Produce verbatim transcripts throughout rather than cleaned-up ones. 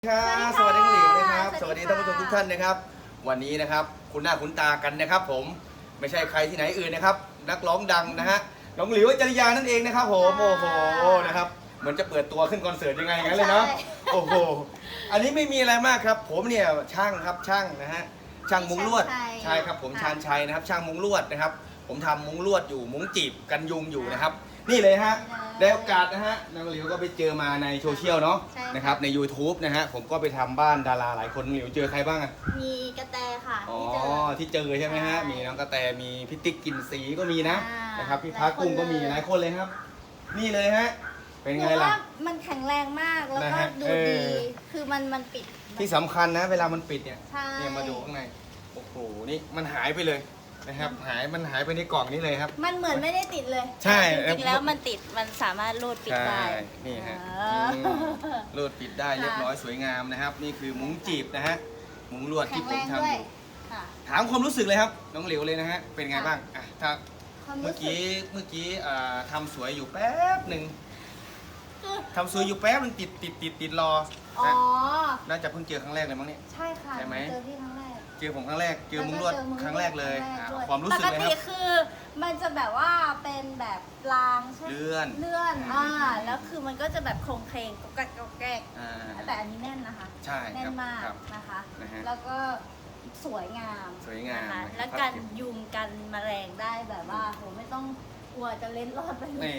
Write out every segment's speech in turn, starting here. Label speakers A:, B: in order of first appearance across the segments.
A: ครับสวัสดีคุณหลิวนะครับสวัสดีท่านผู้ชมทุกท่านนะครับวันนี้นะครับคุณหน้าคุณตากันนะครับผมไม่ใช่ใครที่ไหนอื่นนะครับนักร้องดังนะฮะน้องหลิวจริยานั่นเองนะครับผมโอ้โหนะครับเหมือนจะเปิดตัวขึ้นคอนเสิร์ตยังไงงั้นเลยเนาะโอ้โหอันนี้ไม่มีอะไรมากครับผมเนี่ยช่างครับช่างนะฮะช่างมุ้งลวดใช่ครับผมชาญชัยนะครับช่างมุ้งลวดนะครับผมทำมุ้งลวดอยู่มุ้งจีบกันยุงอยู่นะครับนี่เลยฮะได้โอกาสนะฮะน้องหลิวก็ไปเจอมาในโซเชียลเนาะนะครับใน ยูทูบ นะฮะผมก็ไปทำบ้านดาราหลายคนน้องหลิวเจอใครบ้างอะ
B: มีกระแตค่ะ
A: อ๋อที่เจอใช่ไหมฮะมีน้องกระแตมีพี่ติ๊กกินสีก็มีนะนะครับพี่พักกุ้งก็มีหลายคนเลยครับนี่เลยฮะเป็นไงล่ะ
B: มันแข็งแรงมากแล้วก็ดูดีคือมันมันปิด
A: ที่สำคัญนะเวลามันปิดเนี่ยเนี่ยมาดูข้างในโอ้โหนี่มันหายไปเลยนะครับหายมันหายไปในกล่องนี้เลยครับ
B: มันเหมือนไม่ได้ติดเลย
A: ใช่
B: จริงๆแล้วมันติดมันสามารถรูดปิดได้
A: นี่ฮะรูดปิดได้เรียบร้อยสวยงามนะครับนี่คือมุ้งจีบนะฮะมุ้งลวดที่ผมทำอยู่ถามความรู้สึกเลยครับน้องหลิวเลยนะฮะเป็นไงบ้างอ่ะถ้าเมื่อกี้เมื่อกี้ทำสวยอยู่แป๊บหนึ่งทำสวยอยู่แป๊บนึงติดติดติดติดรออ๋อน่าจะเพิ่งเจอครั้งแรกเลยมั้งเนี่ย
B: ใช่ค่ะ
A: ใช่ไหม
B: เจอที่ครั้งแรก
A: เจอผมครั้งแรกเจอมุ้งลวดครั้งแรกเลยความรู้สึกเลยครับปกติ
B: คือมันจะแบบว่าเป็นแบบรางใช่ไหม
A: เลื่อน
B: เลื่อนอ่าแล้วคือมันก็จะแบบโครงเพลงกกกแกกแต่อันนี้แน่นนะคะ
A: ใช่
B: แน่นมากนะคะแล้วก็สวยงาม
A: สวยงาม
B: แล้วกันยุงกันแมลงได้แบบว่าโหไม่ต้องกลัวจะเล็ดรอดไปเลย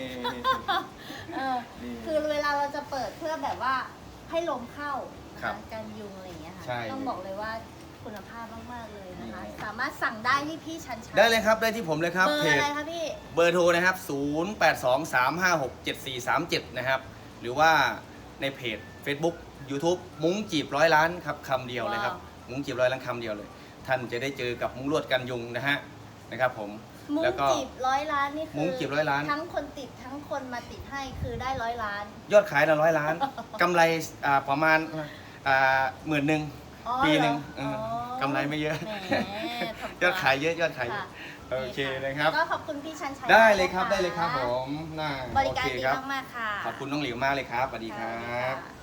B: คือเวลาเราจะเปิดเพื่อแบบว่าให้ลมเข้ากันยุงอะไรอย่างเงี้ยค่ะต้องบอกเลยว่าคุณภาพมากๆเลยนะคะสามารถสั่งได้ที่พี่ชันชัย
A: ได้เลยครับได้ที่ผมเลยครับ
B: เบอร์อะไรคะพี่
A: เบอร์โทรนะครับศูนย์ แปด สอง สาม ห้า หก เจ็ด สี่ สาม เจ็ดนะครับหรือว่าในเพจ Facebook YouTube มุ้งจีบร้อยล้านครับคำเดียวเลยครับมุ้งจีบร้อยล้านคำเดียวเลยท่านจะได้เจอกับมุ้งลวดกันยุงนะฮะนะครับผม
B: มุ้งจีบร้อยล้านนี่คือ
A: มุ้งจีบร้อยล้าน
B: ทั้งคนติดทั้งคนมาติดให้คือได้ร้อยล้าน
A: ยอดขายละร้อยล้านกำไรประมาณหมื่นหนึ่งปีหนึ่งกำไรไม่เยอะยอดขายเยอะยอดขายเยอะโอเคนะครับ
B: ก็ขอบคุณพี่ชันชัย
A: ได้เลยครับได้เลยครับผมน่า
B: บริการดีมากๆค่ะ
A: ขอบคุณน้องหลิวมากเลยครับสวัสดีครับ